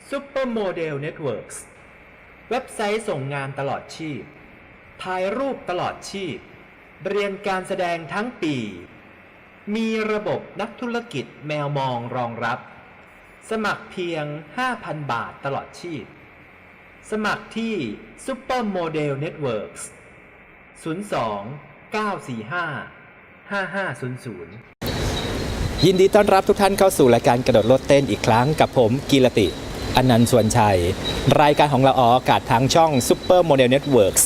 Supermodel Networks เว็บไซต์ส่งงานตลอดชีพถ่ายรูปตลอดชีพเรียนการแสดงทั้งปีมีระบบนักธุรกิจแมวมองรองรับสมัครเพียง 5,000 บาทตลอดชีพสมัครที่ Supermodel Networks 02 945 5500 ยินดีต้อนรับทุกท่านเข้าสู่รายการกระโดดโลดเต้นอีกครั้งกับผมกีรติอนันต์สวนชัยรายการของเราออกอากาศทางช่อง Super Model Networks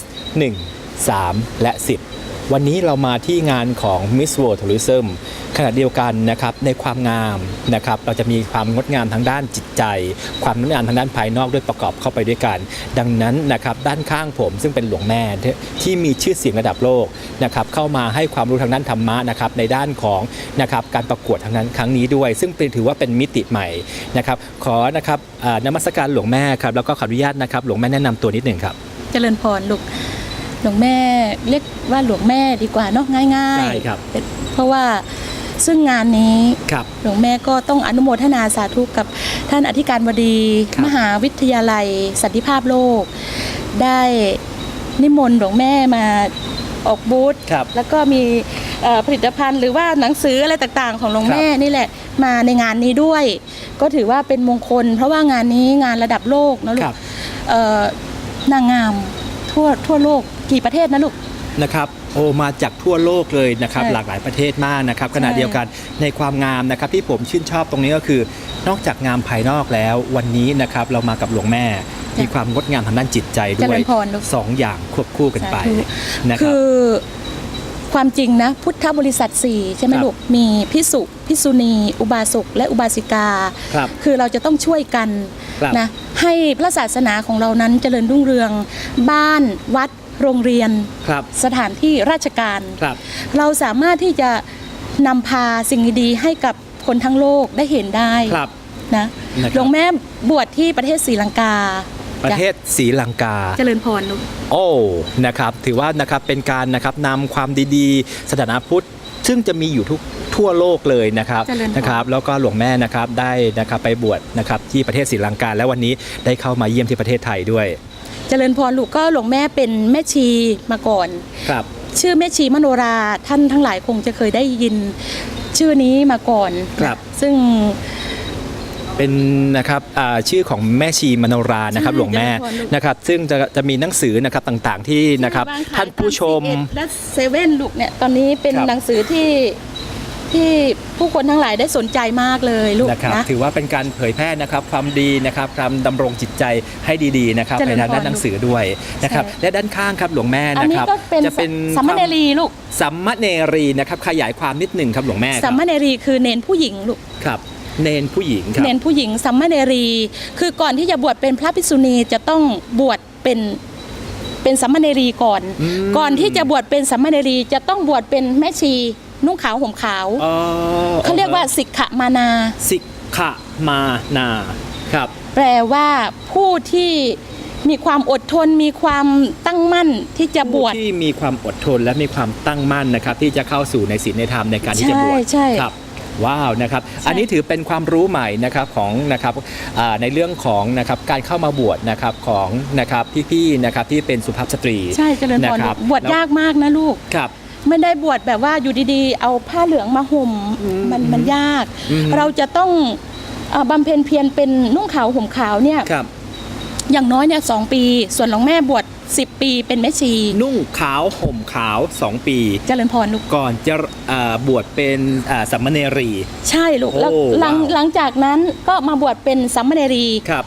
1, 3 และ 10 วันนี้เรามาที่งานของ Miss World Tourism ขณะเดียวกันนะครับในความงามนะครับเราจะมีความงดงามทางด้านจิตใจความงดงามทางด้านภายนอกด้วยประกอบเข้าไปด้วยกันดังนั้นนะครับด้านข้างผมซึ่งเป็นหลวงแม่ที่มีชื่อเสียงระดับโลกนะครับเข้ามาให้ความรู้ทางด้านธรรมะนะครับในด้านของนะครับการประกวดทางนั้นครั้งนี้ด้วยซึ่งถือว่าเป็นมิติใหม่นะครับขอนะครับนมัสการหลวงแม่ครับแล้วก็ขออนุญาตนะครับหลวงแม่แนะนำตัวนิดหนึ่งครับเจริญพรลูกหลวงแม่เรียกว่าหลวงแม่ดีกว่าเนาะง่ายๆใช่ครับเพราะว่าซึ่งงานนี้หลวงแม่ก็ต้องอนุโมทนาสาธุกับท่านอธิการบดีมหาวิทยาลัยสันติภาพโลกได้นิมนต์หลวงแม่มาออกบูธแล้วก็มีผลิตภัณฑ์หรือว่าหนังสืออะไรต่างๆของหลวงแม่นี่แหละมาในงานนี้ด้วยก็ถือว่าเป็นมงคลเพราะว่างานนี้งานระดับโลกนะลูกนางงามทั่วโลกกี่ประเทศนะลูกนะครับโอ้มาจากทั่วโลกเลยนะครับหลากหลายประเทศมากนะครับขณะเดียวกันในความงามนะครับที่ผมชื่นชอบตรงนี้ก็คือนอกจากงามภายนอกแล้ววันนี้นะครับเรามากับหลวงแม่มีความงดงามทางด้านจิตใจด้วยสองอย่างควบคู่กันไปนะครับคือความจริงนะพุทธบริษัท4ใช่ไหมลูกมีภิกษุภิกษุณีอุบาสกและอุบาสิกาคือเราจะต้องช่วยกันนะให้พระศาสนาของเรานั้นเจริญรุ่งเรืองบ้านวัดโรงเรียนสถานที่ราชการเราสามารถที่จะนำพาสิ่งดีๆให้กับคนทั้งโลกได้เห็นได้นะหลวงแม่บวชที่ประเทศศรีลังกาประเทศศรีลังกาเจริญพรลูกโอ้นะครับถือว่านะครับเป็นการนะครับนำความดีๆศาสนาพุทธซึ่งจะมีอยู่ทั่วโลกเลยนะครับแล้วก็หลวงแม่นะครับได้นะครับไปบวชนะครับที่ประเทศศรีลังกาและวันนี้ได้เข้ามาเยี่ยมที่ประเทศไทยด้วยเจริญพรลูกก็หลวงแม่เป็นแม่ชีมาก่อนชื่อแม่ชีมโนราท่านทั้งหลายคงจะเคยได้ยินชื่อนี้มาก่อนซึ่งเป็นนะครับชื่อของแม่ชีมโนรานะครับหลวงแม่นะครับซึ่งจะมีหนังสือนะครับต่างๆที่นะครับท่านผู้ชมและเซเว่นลูกเนี่ยตอนนี้เป็นหนังสือที่ผู้คนทั้งหลายได้สนใจมากเลยลูกนะถือว่าเป็นการเผยแพร่นะครับความดีนะครับการดำรงจิตใจให้ดีๆนะครับในด้านหนังสือด้วยนะครับและด้านข้างครับหลวงแม่นะครับจะเป็นสัมมเนรีลูกสัมมเนรีนะครับขยายความนิดหนึ่งครับหลวงแม่สัมมเนรีคือเนนผู้หญิงลูกครับเนนผู้หญิงครับเนนผู้หญิงสัมมเนรีคือก่อนที่จะบวชเป็นพระภิกษุณีจะต้องบวชเป็นสัมมเนรีก่อนที่จะบวชเป็นสัมมเนรีจะต้องบวชเป็นแม่ชีนุ่งขาวห่มขาวเขาเรียกว่าสิกขมานาสิกขมานาครับแปลว่าผู้ที่มีความอดทนมีความตั้งมั่นที่จะบวชที่มีความอดทนและมีความตั้งมั่นนะครับที่จะเข้าสู่ในศีลในธรรมในการที่จะบวชครับว้าวนะครับอันนี้ถือเป็นความรู้ใหม่นะครับของนะครับในเรื่องของนะครับการเข้ามาบวชนะครับของนะครับพี่ๆนะครับที่เป็นสุภาพสตรีใช่เจริญพรบวชยากมากนะลูกครับไม่ได้บวชแบบว่าอยู่ดีๆเอาผ้าเหลืองมาห่มมันยากเราจะต้องบำเพ็ญเพียรเป็นนุ่งขาวห่มขาวเนี่ยอย่างน้อยเนี่ย2 ปีส่วนหลวงแม่บวช10 ปีเป็นแม่ชีนุ่งขาวห่มขาว2 ปีเจริญพรลูกก่อนจะบวชเป็นสัมมเนรีใช่ลูกแล้วหลังจากนั้นก็มาบวชเป็นสัมมเนรี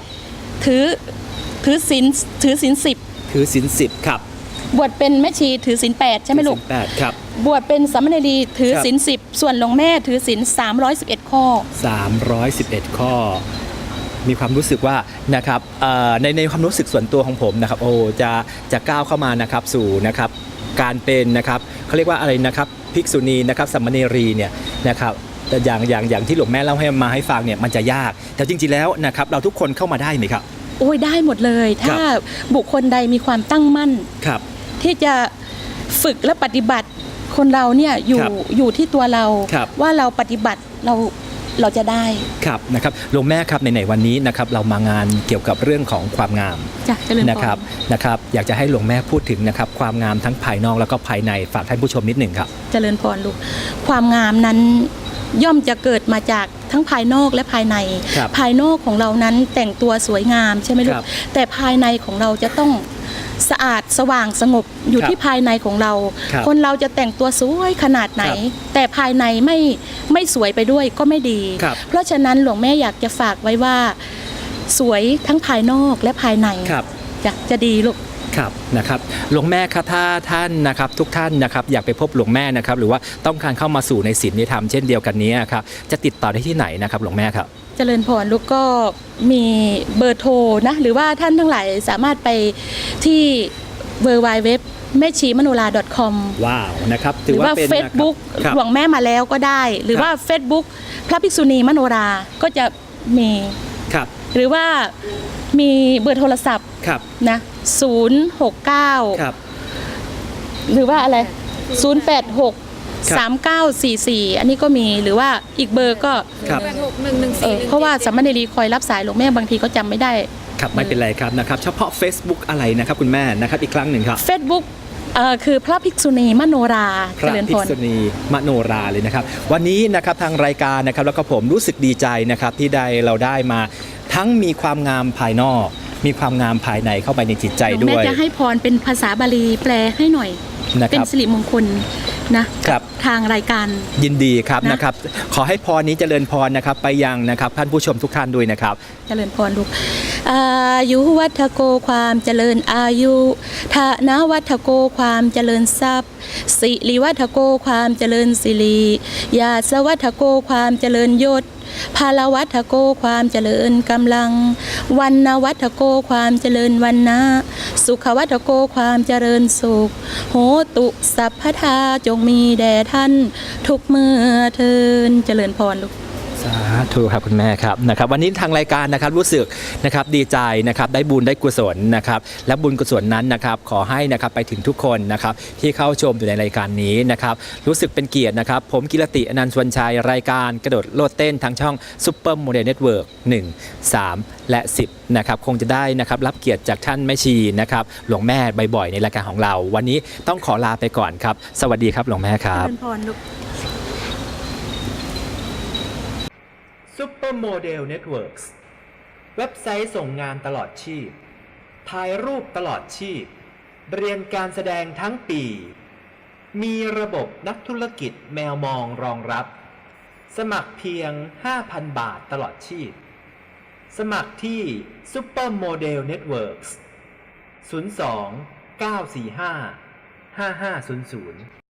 ถือศีล10 ถือศีล10ครับบวชเป็นแม่ชีถือศีล8ใช่ไหมลูก 8ครับบวชเป็นสัมมเนรีถือศีล10ส่วนหลวงแม่ถือศีล311 ข้อ 311 ข้อมีความรู้สึกว่านะครับในความรู้สึกส่วนตัวของผมนะครับโอ้จะก้าวเข้ามานะครับสู่นะครับการเป็นนะครับเขาเรียกว่าอะไรนะครับภิกษุณีนะครับสัมมเนรีเนี่ยนะครับแต่อย่างที่หลวงแม่เล่าให้ฟังเนี่ยมันจะยากแต่จริงๆแล้วนะครับเราทุกคนเข้ามาได้ไหมครับโอ้ยได้หมดเลยถ้าบุคคลใดมีความตั้งมั่นที่จะฝึกและปฏิบัติคนเราเนี่ยอยู่ที่ตัวเราว่าเราปฏิบัติเราเราจะได้ครับนะครับหลวงแม่ครับในวันนี้นะครับเรามางานเกี่ยวกับเรื่องของความงามจ้ะเจริญพรนะครับอยากจะให้หลวงแม่พูดถึงนะครับความงามทั้งภายนอกแล้วก็ภายในฝากท่านผู้ชมนิดหนึ่งครับเจริญพรลูกความงามนั้นย่อมจะเกิดมาจากทั้งภายนอกและภายในครับภายนอกของเรานั้นแต่งตัวสวยงามใช่ไหมลูครักบแต่ภายในของเราจะต้องสะอาดสว่างสงบอยู่ครับที่ภายในของเราครับคนเราจะแต่งตัวสวยขนาดไหนครับแต่ภายในไม่สวยไปด้วยก็ไม่ดีครับเพราะฉะนั้นหลวงแม่อยากจะฝากไว้ว่าสวยทั้งภายนอกและภายในครับจะดีลูกครับนะครับหลวงแม่ครับถ้าท่านนะครับทุกท่านนะครับอยากไปพบหลวงแม่นะครับหรือว่าต้องการเข้ามาสู่ในศีลในธรรมเช่นเดียวกันนี้ครับจะติดต่อได้ที่ไหนนะครับหลวงแม่ครับเจริญพรลูกก็มีเบอร์โทรนะหรือว่าท่านทั้งหลายสามารถไปที่ www แม่ชีมโนรา .com ว้าวนะครับหรือว่าเป็น Facebook นะครับหลวงแม่มาแล้วก็ได้ หรือว่า Facebook พระภิกษุณีมโนราก็จะมีครับหรือว่ามีเบอร์โทรศัพท์ครับนะ069 ครับหรือว่าอะไร086 ครับ 3944 อันนี้ก็มีหรือว่าอีกเบอร์ก็ครับเพราะว่าสามเณรีคอยรับสายหลวงแม่บางทีก็จำไม่ได้ครับไม่เป็นไรครับนะครับเฉพาะ Facebook อะไรนะครับคุณแม่นะครับอีกครั้งหนึ่งครับ Facebook คือพระภิกษุณีมโนราพระภิกษุณีมโนราเลยนะครับวันนี้นะครับทางรายการนะครับแล้วก็ผมรู้สึกดีใจนะครับที่เราได้มาทั้งมีความงามภายนอก มีความงามภายในเข้าไปในจิตใจหลวงด้แม่วยจะให้พรเป็นภาษาบาลีแปลให้หน่อยนะเป็คน รับสิริมงคลนะครับ ทางรายการยินดีครับนะนะครับขอให้พรนี้เจริญพรนะครับไปยังนะครับท่านผู้ชมทุกท่านด้วยนะครับเจริญพรลูกอายุวัฒโกความเจริญอายุธนวัฒโกความเจริญทรัพย์สิริวัฒโกความเจริญสิริยาสวัฒโกความเจริญยศพาลวัฒโกความเจริญกำลังวันนวัฒโกความเจริญวันนะสุขวัฒโกความเจริญสุขโหตุสัพพทาจงมีแด่ท่านทุกเมื่อเทินเจริญพรลูกสาธุครับคุณแม่ครับนะครับวันนี้ทางรายการนะครับรู้สึกนะครับดีใจนะครับได้บุญได้กุศลนะครับและบุญกุศลนั้นนะครับขอให้นะครับไปถึงทุกคนนะครับที่เข้าชมอยู่ในรายการนี้นะครับรู้สึกเป็นเกียรตินะครับผมกิรติอนันต์สวนชัยรายการกระโดดโลดเต้นทางช่องซุปเปอร์โมเดลเน็ตเวิร์ก1 3 และ 10นะครับคงจะได้นะครับรับเกียรติจากท่านแม่ชีนะครับหลวงแม่บ่อยๆในรายการของเรา วันนี้ต้องขอลาไปก่อนครับสวัสดีครับหลวงแม่ครับเจริญพรลูก Supermodel Networks เว็บไซต์ส่งงานตลอดชีพถ่ายรูปตลอดชีพเรียนการแสดงทั้งปี มีระบบนักธุรกิจแมวมองรองรับ สมัครเพียง 5,000 บาทตลอดชีพ สมัครที่ Supermodel Networks 02 945 5500